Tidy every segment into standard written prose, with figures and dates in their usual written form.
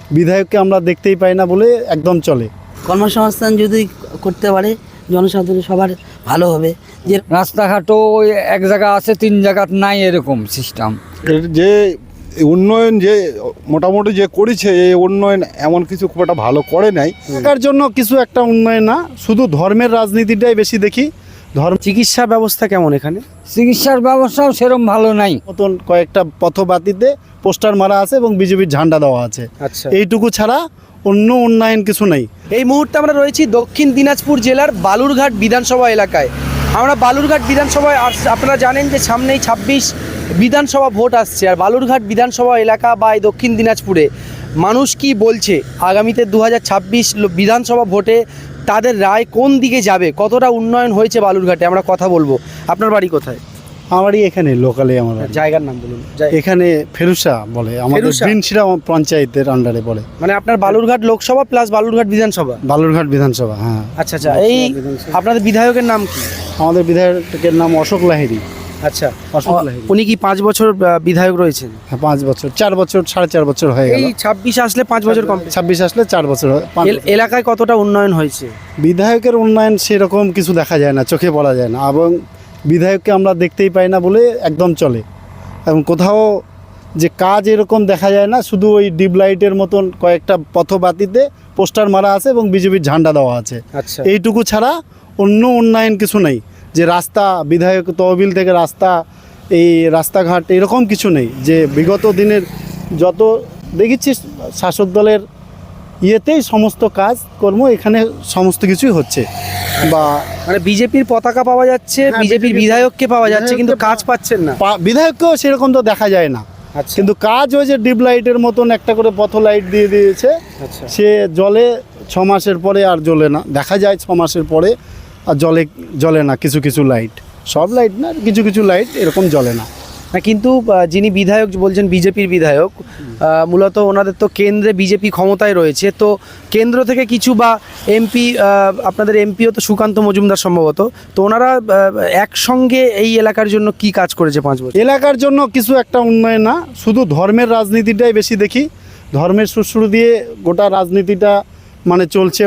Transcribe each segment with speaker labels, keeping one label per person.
Speaker 1: বিধায়ককে আমরা দেখতেই পাই না বলে একদম চলে।
Speaker 2: কর্মসংস্থান যদি করতে পারে জনসাধারণ সবার ভালো হবে। যে
Speaker 3: রাস্তাঘাটও ওই এক জায়গা আছে, 3 জায়গা নাই, এরকম সিস্টেম।
Speaker 4: এর যে উন্নয়ন যে মোটামুটি যে করেছে, এই উন্নয়ন এমন কিছু খুব একটা ভালো করে নাই।
Speaker 1: এলাকার জন্য কিছু একটা উন্নয়ন না, শুধু ধর্মের রাজনীতিটাই বেশি দেখি।
Speaker 5: চিকিৎসা ব্যবস্থা কেমন এখানে?
Speaker 3: চিকিৎসার ব্যবস্থাও সেরকম ভালো নাই।
Speaker 1: মতন কয়েকটা পথবাতিতে পোস্টার মারা আছে এবং বিজেপির ঝান্ডা দেওয়া আছে,
Speaker 5: আচ্ছা,
Speaker 1: এইটুকু ছাড়া অন্য উন্নয়ন কিছু নেই।
Speaker 5: এই মুহূর্তে আমরা রয়েছি দক্ষিণ দিনাজপুর জেলার বালুরঘাট বিধানসভা এলাকায়। আমরা বালুরঘাট বিধানসভায় আপনারা জানেন যে সামনেই 26 বিধানসভা ভোট আসছে, আর বালুরঘাট বিধানসভা এলাকা বা এই দক্ষিণ দিনাজপুরে মানুষ কি বলছে আগামীতে 2026 বিধানসভা ভোটে তাদের রায় কোন দিকে যাবে, কতটা উন্নয়ন হয়েছে বালুরঘাটে, আমরা কথা বলবো। আপনার বাড়ি কোথায়?
Speaker 1: আমারই এখানে লোকালে, আমার বাড়ি।
Speaker 5: জায়গার নাম বলুন।
Speaker 1: এখানে ফেরুসা বলে, আমাদের
Speaker 5: ফেরুসা?
Speaker 1: বিনশিরা পঞ্চায়েতের আন্ডারে পড়ে।
Speaker 5: মানে আপনার বালুরঘাট লোকসভা প্লাস বালুরঘাট বিধানসভা।
Speaker 1: বালুরঘাট বিধানসভা, হ্যাঁ।
Speaker 5: আচ্ছা আচ্ছা, এই আপনাদের বিধায়কের নাম কি?
Speaker 1: আমাদের বিধায়কের নাম অশোক লাহিড়ী।
Speaker 5: আচ্ছা,
Speaker 1: অশোক লাহিড়ী।
Speaker 5: উনি কি 5 বছর বিধায়ক রয়েছেন?
Speaker 1: হ্যাঁ, 5 বছর, 4 বছর, 4.5 বছর হয়ে গেল।
Speaker 5: এই 26 আসলে 5 বছর কমপ্লিট।
Speaker 1: 26 আসলে 4 বছর হয়।
Speaker 5: এলাকায় কতটা উন্নয়ন হয়েছে?
Speaker 1: বিধায়কের উন্নয়ন সেরকম কিছু দেখা যায় না, চোখে পড়া যায় না, এবং বিধায়ককে আমরা দেখতেই পাই না বলে একদম চলে। এবং কোথাও যে কাজ এরকম দেখা যায় না, শুধু ওই ডিপ লাইটের মতন কয়েকটা পথবাতিতে পোস্টার মারা আছে এবং বিজেপির ঝান্ডা দেওয়া আছে,
Speaker 5: আচ্ছা,
Speaker 1: এইটুকু ছাড়া অন্য উন্নয়ন কিছু নেই। যে রাস্তা, বিধায়ক তহবিল থেকে রাস্তা, এই রাস্তাঘাট এরকম কিছু নেই। যে বিগত দিনের যত দেখেছি শাসক দলের ইয়েতেই সমস্ত কাজ কর্ম এখানে সমস্ত কিছুই হচ্ছে। বা
Speaker 5: মানে বিজেপির পতাকা পাওয়া যাচ্ছে,
Speaker 1: হ্যাঁ,
Speaker 5: বিজেপির
Speaker 1: BJP
Speaker 5: বিধায়ককে পাওয়া যাচ্ছে, কিন্তু
Speaker 1: বিধায়ককে
Speaker 5: কাজ পাচ্ছেন না।
Speaker 1: বিধায়ককেও সেরকম তো দেখা যায় না।
Speaker 5: আচ্ছা,
Speaker 1: কিন্তু কাজ ওই যে ডিপ লাইটের মতন একটা করে পথ লাইট দিয়ে দিয়েছে,
Speaker 5: আচ্ছা,
Speaker 1: সে জলে 6 মাসের পরে আর জ্বলে না, দেখা যায় 6 মাসের পরে আর জ্বলে না। কিছু কিছু লাইট, সব লাইট না, কিছু কিছু লাইট এরকম জ্বলে না।
Speaker 5: না, কিন্তু যিনি বিধায়ক বলছেন বিজেপির বিধায়ক, মূলত ওনাদের তো কেন্দ্রে বিজেপি ক্ষমতায় রয়েছে, তো কেন্দ্র থেকে কিছু বা এমপি, আপনাদের এমপিও তো সুকান্ত মজুমদার সম্ভবত, তো ওনারা একসঙ্গে এই এলাকার জন্য কি কাজ করেছে 5 বছর?
Speaker 1: এলাকার জন্য কিছু একটা উন্নয়ন না, শুধু ধর্মের রাজনীতিটাই বেশি দেখি। ধর্মের সুরসুর দিয়ে গোটা রাজনীতিটা মানে চলছে।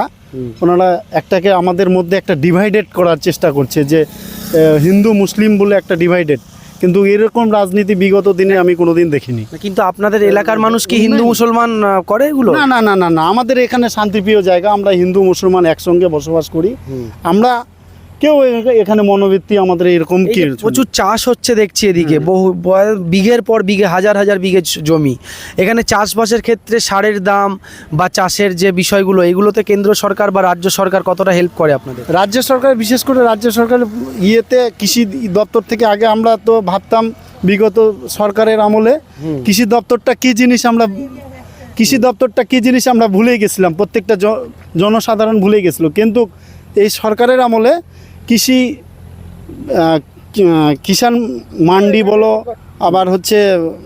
Speaker 1: ওনারা একটাকে আমাদের মধ্যে একটা ডিভাইডেড করার চেষ্টা করছে, যে হিন্দু মুসলিম বলে একটা ডিভাইডেড। কিন্তু এরকম রাজনীতি বিগত দিনে আমি কোনোদিন দেখিনি।
Speaker 5: কিন্তু আপনাদের এলাকার মানুষ কি হিন্দু মুসলমান করে এগুলো?
Speaker 1: না না না না না, আমাদের এখানে শান্তিপ্রিয় জায়গা, আমরা হিন্দু মুসলমান একসঙ্গে বসবাস করি। আমরা কেউ এখানে মনোবৃত্তি আমাদের এরকম কি,
Speaker 5: প্রচুর চাষ হচ্ছে দেখছি এদিকে, বহু বিঘের পর বিঘে, হাজার হাজার বিঘে জমি। এখানে চাষবাসের ক্ষেত্রে সারের দাম বা চাষের যে বিষয়গুলো, এগুলোতে কেন্দ্র সরকার বা রাজ্য সরকার কতটা হেল্প করে আপনাদের?
Speaker 1: রাজ্য সরকার, বিশেষ করে রাজ্য সরকারের ইয়েতে কৃষি দপ্তর থেকে আগে আমরা তো ভাবতাম বিগত সরকারের আমলে কৃষি দপ্তরটা কী জিনিস আমরা ভুলে গেছিলাম, প্রত্যেকটা জনসাধারণ ভুলে গেছিল। কিন্তু এই সরকারের আমলে কিষাণ মান্ডি বলো, আবার হচ্ছে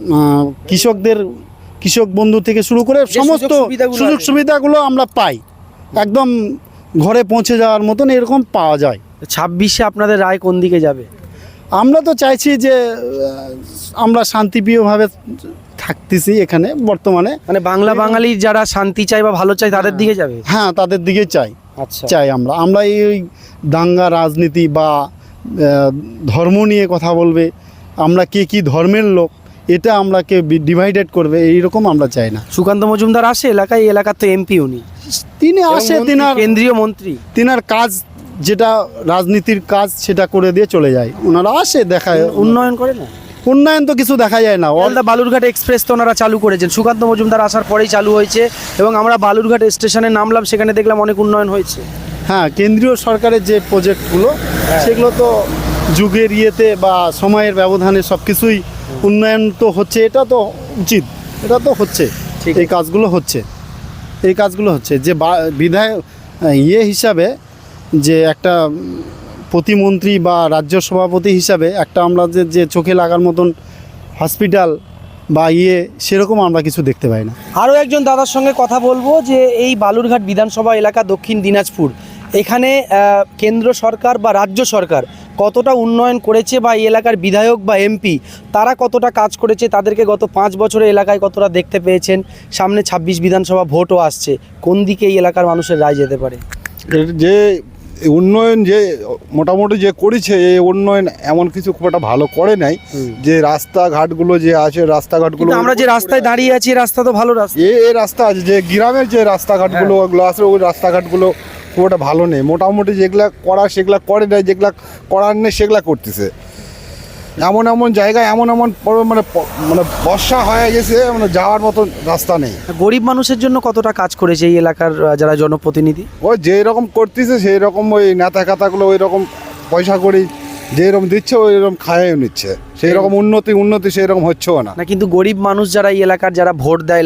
Speaker 1: কৃষক বন্ধু থেকে শুরু করে সমস্ত সুযোগ সুবিধাগুলো আমরা পাই, একদম ঘরে পৌঁছে যাওয়ার মতন এরকম পাওয়া যায়।
Speaker 5: 26-এ আপনাদের রায় কোন দিকে যাবে?
Speaker 1: আমরা তো চাইছি যে আমরা শান্তিপ্রিয়ভাবে থাকতেছি এখানে বর্তমানে,
Speaker 5: মানে বাঙালির যারা শান্তি চায় বা ভালো চায় তাদের দিকে যাবে।
Speaker 1: হ্যাঁ, তাদের দিকে চাই।
Speaker 5: আচ্ছা,
Speaker 1: চাই আমরা এই দাঙ্গা রাজনীতি বা ধর্ম নিয়ে কথা বলবে, আমরা কে কি ধর্মের লোক, এটা আমরা কে ডিভাইডেড করবে, এইরকম আমরা চাই না।
Speaker 5: সুকান্ত মজুমদার আসে এলাকায়, এই এলাকার তো এমপি উনি,
Speaker 1: তিনি আসে,
Speaker 5: কেন্দ্রীয় মন্ত্রী,
Speaker 1: তিনার কাজ যেটা রাজনীতির কাজ সেটা করে দিয়ে চলে যায়। ওনারা আসে, দেখায়,
Speaker 5: উন্নয়ন করে না।
Speaker 1: উন্নয়ন তো কিছু দেখা যায় না।
Speaker 5: অলদা বালুরঘাট এক্সপ্রেস তো ওনারা চালু করেছেন, সুকান্ত মজুমদার আসার পরেই চালু হয়েছে, এবং আমরা বালুরঘাট স্টেশনে নামলাম, সেখানে দেখলাম অনেক উন্নয়ন হয়েছে।
Speaker 1: হ্যাঁ, কেন্দ্রীয় সরকারের যে প্রজেক্টগুলো সেগুলো তো যুগের ইয়েতে বা সময়ের ব্যবধানে সব কিছুই উন্নয়ন তো হচ্ছে, এটা তো উচিত, এটা তো হচ্ছে, এই কাজগুলো হচ্ছে। যে বিধায়ক হিসাবে, যে একটা প্রতিমন্ত্রী বা রাজ্য সভাপতি হিসাবে একটা আমরা যে চোখে লাগার মতন হসপিটাল বা সেরকম আমরা কিছু দেখতে পাই না।
Speaker 5: আরও একজন দাদার সঙ্গে কথা বলবো, যে এই বালুরঘাট বিধানসভা এলাকা দক্ষিণ দিনাজপুর, এখানে কেন্দ্র সরকার বা রাজ্য সরকার কতটা উন্নয়ন করেছে বা এই এলাকার বিধায়ক বা এমপি তারা কতটা কাজ করেছে, তাদেরকে গত 5 বছরে এলাকায় কতটা দেখতে পেয়েছেন, সামনে 26 বিধানসভা ভোটও আসছে, কোন দিকে এই এলাকার মানুষের রায় যেতে পারে?
Speaker 4: এর যে উন্নয়ন যে মোটামুটি যে করেছে এই উন্নয়ন এমন কিছু খুব একটা ভালো করে নাই। যে রাস্তাঘাটগুলো যে আছে রাস্তাঘাটগুলো
Speaker 5: কিন্তু আমরা যে রাস্তায় দাঁড়িয়ে আছি এই রাস্তা তো ভালো রাস্তা।
Speaker 4: এই রাস্তা আছে যে গ্রামের যে রাস্তাঘাটগুলো ওগুলো আছে ওই রাস্তাঘাটগুলো খুব একটা ভালো নেই। মোটামুটি যেগুলা করা সেগুলা করে নাই, যেগুলা করার নেই সেগুলা করতেছে। এমন এমন জায়গায় এমন মানে বর্ষা হয়ে গেছে, মানে যাওয়ার মতো রাস্তা নেই।
Speaker 5: গরিব মানুষের জন্য কতটা কাজ করেছে এই এলাকার যারা জনপ্রতিনিধি?
Speaker 4: ওই যেই রকম করতেছে সেই রকম ওই নেতা খাতাগুলো ওই রকম পয়সা করি যেই রকম দিচ্ছে ওই রকম খাইয়েও নিচ্ছে, সেই রকম উন্নতি সেই রকম হচ্ছেও না।
Speaker 5: না, কিন্তু গরিব মানুষ যারা এই এলাকার যারা ভোট দেয়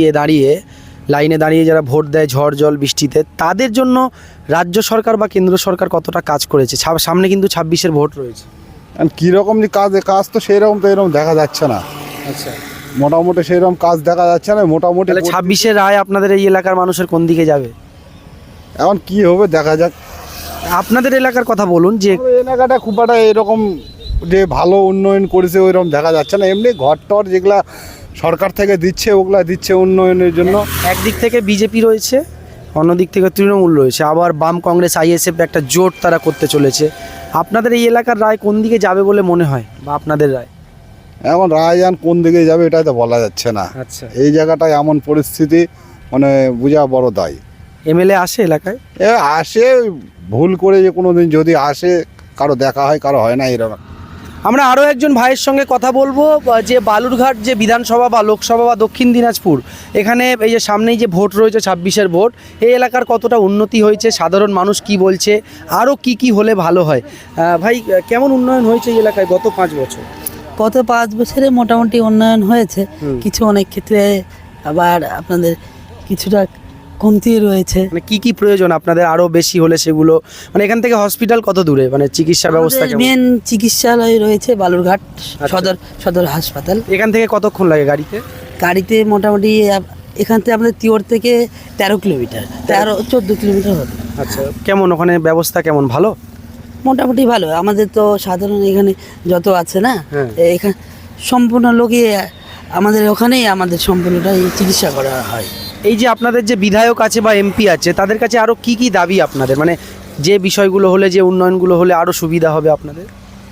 Speaker 5: লাইনে দাঁড়িয়ে যারা ভোট দেয় ঝড় জল বৃষ্টিতে, তাদের জন্য রাজ্য সরকার বা কেন্দ্র সরকার কতটা কাজ করেছে? সামনে কিন্তু 26-এর ভোট রয়েছে।
Speaker 4: কীরকম যে কাজ তো সেই রকম তো এরকম দেখা যাচ্ছে না।
Speaker 5: আচ্ছা,
Speaker 4: মোটামুটি সেই রকম কাজ দেখা যাচ্ছে না। মোটামুটি
Speaker 5: তাহলে 26-এর রায় আপনাদের এই এলাকার মানুষের কোন দিকে যাবে?
Speaker 4: এখন কি হবে দেখা যাক।
Speaker 5: আপনাদের এলাকার কথা বলুন, যে
Speaker 4: আমাদের এলাকাটা খুব একটা এরকম যে ভালো উন্নয়ন করেছে ওইরকম দেখা যাচ্ছে না। এমনি ঘর টর যেগুলা সরকার থেকে দিচ্ছে ওগুলা দিচ্ছে উন্নয়নের জন্য।
Speaker 5: একদিক থেকে বিজেপি রয়েছে, অন্যদিক থেকে তৃণমূল রয়েছে, আবার বাম কংগ্রেস আইএসএফ একটা জোট তারা করতে চলেছে। আপনাদের এই এলাকার রায় কোন দিকে যাবে বলে মনে হয়, বা আপনাদের রায়?
Speaker 4: এখন রায়জান কোন দিকে যাবে এটাই তো বলা যাচ্ছে না।
Speaker 5: আচ্ছা,
Speaker 4: এই জায়গাটায় এমন পরিস্থিতি মানে বোঝা বড় দায়।
Speaker 5: এমএলএ আসে এলাকায়?
Speaker 4: আসে ভুল করে যে কোনো দিন যদি আসে কারো দেখা হয় কারো হয় না এরকম।
Speaker 5: আমরা আরও একজন ভাইয়ের সঙ্গে কথা বলবো, যে বালুরঘাট যে বিধানসভা বা লোকসভা বা দক্ষিণ দিনাজপুর, এখানে এই যে সামনেই যে ভোট রয়েছে 26-এর ভোট, এই এলাকার কতটা উন্নতি হয়েছে, সাধারণ মানুষ কি বলছে, আরও কি হলে ভালো হয়? ভাই, কেমন উন্নয়ন হয়েছে এই এলাকায় গত 5 বছর?
Speaker 2: গত 5 বছরে মোটামুটি উন্নয়ন হয়েছে, কিছু অনেক ক্ষেত্রে আবার আপনাদের কিছুটা কমতি রয়েছে।
Speaker 5: মানে কি প্রয়োজন আপনাদের আরও বেশি হলে সেগুলো, মানে এখান থেকে হসপিটাল কত দূরে, মানে চিকিৎসা ব্যবস্থা কেমন?
Speaker 2: মেন চিকিৎসালয় রয়েছে বালুরঘাট সদর হাসপাতাল।
Speaker 5: এখান থেকে কতক্ষণ লাগে গাড়িতে?
Speaker 2: গাড়িতে মোটামুটি এখান থেকে আমাদের তিওর থেকে 13 কিলোমিটার, 14 কিলোমিটার হবে।
Speaker 5: আচ্ছা, কেমন ওখানে ব্যবস্থা কেমন? ভালো,
Speaker 2: মোটামুটি ভালো। আমাদের তো সাধারণ এখানে যত আছে না,
Speaker 5: হ্যাঁ।
Speaker 2: এখানে সম্পূর্ণ লোকই আমাদের ওখানেই আমাদের সম্পূর্ণটাই চিকিৎসা করা হয়।
Speaker 5: এই যে আপনাদের যে বিধায়ক আছে বা এমপি আছে, তাদের কাছে আরও কি দাবি আপনাদের, মানে যে বিষয়গুলো হলে, যে উন্নয়নগুলো হলে আরও সুবিধা হবে আপনাদের?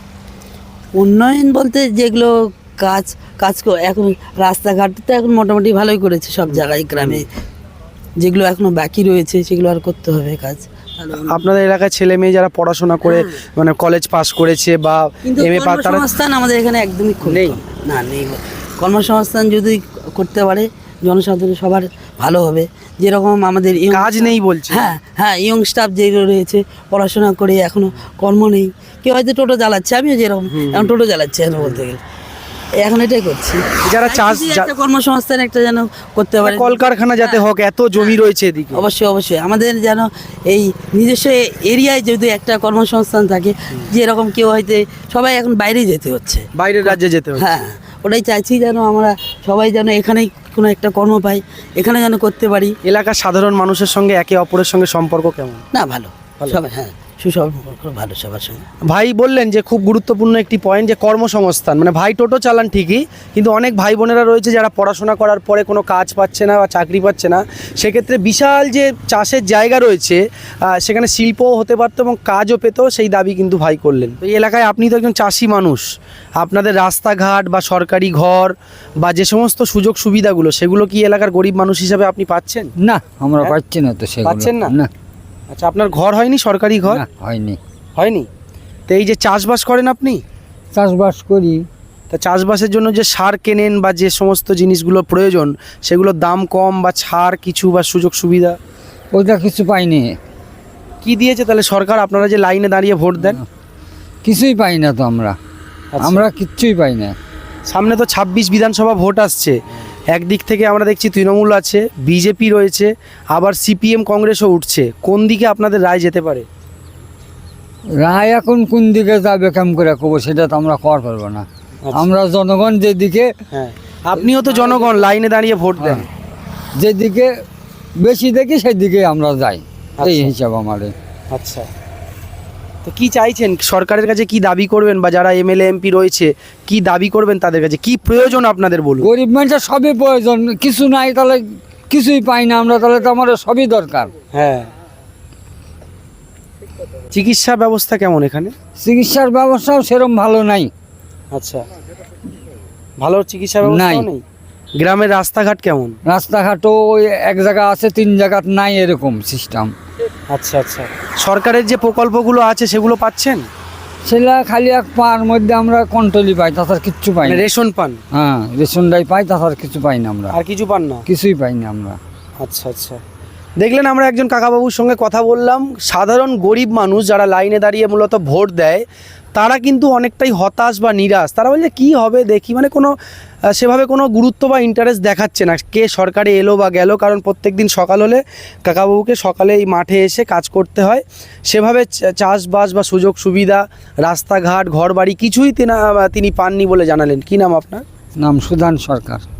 Speaker 2: উন্নয়ন বলতে যেগুলো কাজ এখন রাস্তাঘাট তো এখন মোটামুটি ভালোই করেছে সব জায়গায়, গ্রামে যেগুলো এখনো বাকি রয়েছে সেগুলো আর করতে হবে কাজ।
Speaker 5: আপনাদের এলাকায় ছেলে মেয়ে যারা পড়াশোনা করে মানে কলেজ পাস করেছে বা
Speaker 2: কিন্তু
Speaker 5: এমএ পাস, তারা
Speaker 2: কর্মসংস্থান আমাদের এখানে একদমই
Speaker 5: নেই।
Speaker 2: না, নেই। কর্মসংস্থান যদি করতে পারে জনসাধারণ সবার ভালো হবে। যেরকম আমাদের
Speaker 5: কাজ নেই বলছে।
Speaker 2: হ্যাঁ, ইয়ং স্টাফ যেগুলো রয়েছে পড়াশোনা করে এখনো কর্ম নেই। কেউ হয়তো টোটো চালাচ্ছে, আমিও যেরকম এখন টোটো চালাচ্ছি এখন বলতে গেলে, এখন এটাই করছি।
Speaker 5: যারা
Speaker 2: একটা কর্মসংস্থান একটা যেন করতে পারে,
Speaker 5: কলকারখানা যাতে হোক, এত জমি রয়েছে এদিকে।
Speaker 2: অবশ্যই আমাদের যেন এই নিজস্ব এরিয়ায় যদি একটা কর্মসংস্থান থাকে, যেরকম কেউ হয়তো সবাই এখন বাইরে যেতে হচ্ছে,
Speaker 5: বাইরের রাজ্যে যেতে হচ্ছে।
Speaker 2: হ্যাঁ, ওটাই চাইছি যেন আমরা সবাই যেন এখানেই কোনো একটা কর্ম পাই, এখানে যেন করতে পারি।
Speaker 5: এলাকার সাধারণ মানুষের সঙ্গে একে অপরের সঙ্গে সম্পর্ক কেমন?
Speaker 2: না, ভালো সবাই, হ্যাঁ, সুসম্পর্ক ভালো সবার সঙ্গে।
Speaker 5: ভাই বললেন যে খুব গুরুত্বপূর্ণ একটি পয়েন্ট, যে কর্মসংস্থান, মানে ভাই টোটো চালান ঠিকই, কিন্তু অনেক ভাই বোনেরা রয়েছে যারা পড়াশোনা করার পরে কোনো কাজ পাচ্ছে না বা চাকরি পাচ্ছে না। সেক্ষেত্রে বিশাল যে চাষের জায়গা রয়েছে, সেখানে শিল্পও হতে পারতো এবং কাজও পেত, সেই দাবি কিন্তু ভাই করলেন। তো এই এলাকায় আপনি তো একজন চাষি মানুষ, আপনাদের রাস্তাঘাট বা সরকারি ঘর বা যে সমস্ত সুযোগ সুবিধাগুলো, সেগুলো কি এলাকার গরিব মানুষ হিসাবে আপনি পাচ্ছেন?
Speaker 3: না, আমরা পাচ্ছি না তো সেগুলো।
Speaker 5: পাচ্ছেন না?
Speaker 3: না।
Speaker 5: আচ্ছা, আপনার ঘর হয়নি, সরকারি ঘর
Speaker 3: না,
Speaker 5: হয়নি? তো এই যে চাষবাস করেন আপনি,
Speaker 3: চাষবাস করি,
Speaker 5: তা চাষবাসের জন্য যে সার কেনেন বা যে সমস্ত জিনিসগুলো প্রয়োজন, সেগুলোর দাম কম বা ছাড় কিছু বা সুযোগ সুবিধা
Speaker 3: ওইটা কিছু পাইনি।
Speaker 5: কি দিয়েছে তাহলে সরকার? আপনারা যে লাইনে দাঁড়িয়ে ভোট দেন,
Speaker 3: কিছুই পাই না তো আমরা।
Speaker 5: আচ্ছা।
Speaker 3: আমরা কিচ্ছুই পাই না।
Speaker 5: সামনে তো 26 বিধানসভা ভোট আসছে, একদিক থেকে আমরা দেখছি তৃণমূল আছে, বিজেপি রয়েছে, আবার সিপিএম কংগ্রেসও উঠছে, কোন দিকে আপনাদের রায় যেতে পারে?
Speaker 3: রায় এখন কোন দিকে যাবে কেমন করে কব সেটা তো আমরা কর পারবো না। আমরা জনগণ যেদিকে,
Speaker 5: হ্যাঁ, আপনিও তো জনগণ, লাইনে দাঁড়িয়ে ভোট দেন,
Speaker 3: যেদিকে বেশি দেখি সেদিকে আমরা যাই, এই
Speaker 5: আচ্ছা।
Speaker 3: হিসাব আমাদের।
Speaker 5: আচ্ছা, তো কি চাইছেন সরকারের কাছে, কি দাবি করবেন, বা যারা এমএলএ এমপি রয়েছে কি দাবি করবেন তাদের কাছে, কি প্রয়োজন আপনাদের বলুন?
Speaker 3: গরিব মানুষের সবই প্রয়োজন, কিছু নাই তাহলে কিছুই পাই না আমরা, তাহলে তো আমাদের সবই দরকার।
Speaker 5: হ্যাঁ। চিকিৎসা ব্যবস্থা কেমন এখানে?
Speaker 3: চিকিৎসার ব্যবস্থাও সেরকম ভালো নাই।
Speaker 5: আচ্ছা, ভালো চিকিৎসা ব্যবস্থা
Speaker 3: নাই।
Speaker 5: নেই। গ্রামের রাস্তাঘাট কেমন?
Speaker 3: রাস্তাঘাটও ওই এক জায়গা আছে, 3 জায়গাত নাই এরকম সিস্টেম।
Speaker 5: আচ্ছা আচ্ছা, সরকারের যে প্রকল্পগুলো আছে সেগুলো পাচ্ছেন?
Speaker 3: সেটা খালি এক পার মধ্যে আমরা কন্ট্রোলই পাই, তাছাড়া কিচ্ছু পাই
Speaker 5: মানে
Speaker 3: না।
Speaker 5: রেশন পান?
Speaker 3: হ্যাঁ, রেশনটাই পাই, তাছাড়া কিছু পাই না আমরা,
Speaker 5: আর কিছু পান না?
Speaker 3: কিছুই পাই না আমরা।
Speaker 5: আচ্ছা আচ্ছা, দেখলেন আমরা একজন কাকাবাবুর সঙ্গে কথা বললাম। সাধারণ গরিব মানুষ যারা লাইনে দাঁড়িয়ে মূলত ভোট দেয় তারা কিন্তু অনেকটাই হতাশ বা নিরাশ। তারা বলছে কি হবে দেখি, মানে কোনো সেভাবে কোনো গুরুত্ব বা ইন্টারেস্ট দেখাচ্ছে না কে সরকারে এলো বা গেল, কারণ প্রত্যেক দিন সকাল হলে কাকাবাবুকে সকালে এই মাঠে এসে কাজ করতে হয়। সেভাবে চাষবাস বা সুযোগ সুবিধা, রাস্তাঘাট, ঘরবাড়ি কিছুই তিনি পাননি বলে জানালেন। কি নাম আপনার?
Speaker 3: নাম সুধান সরকার।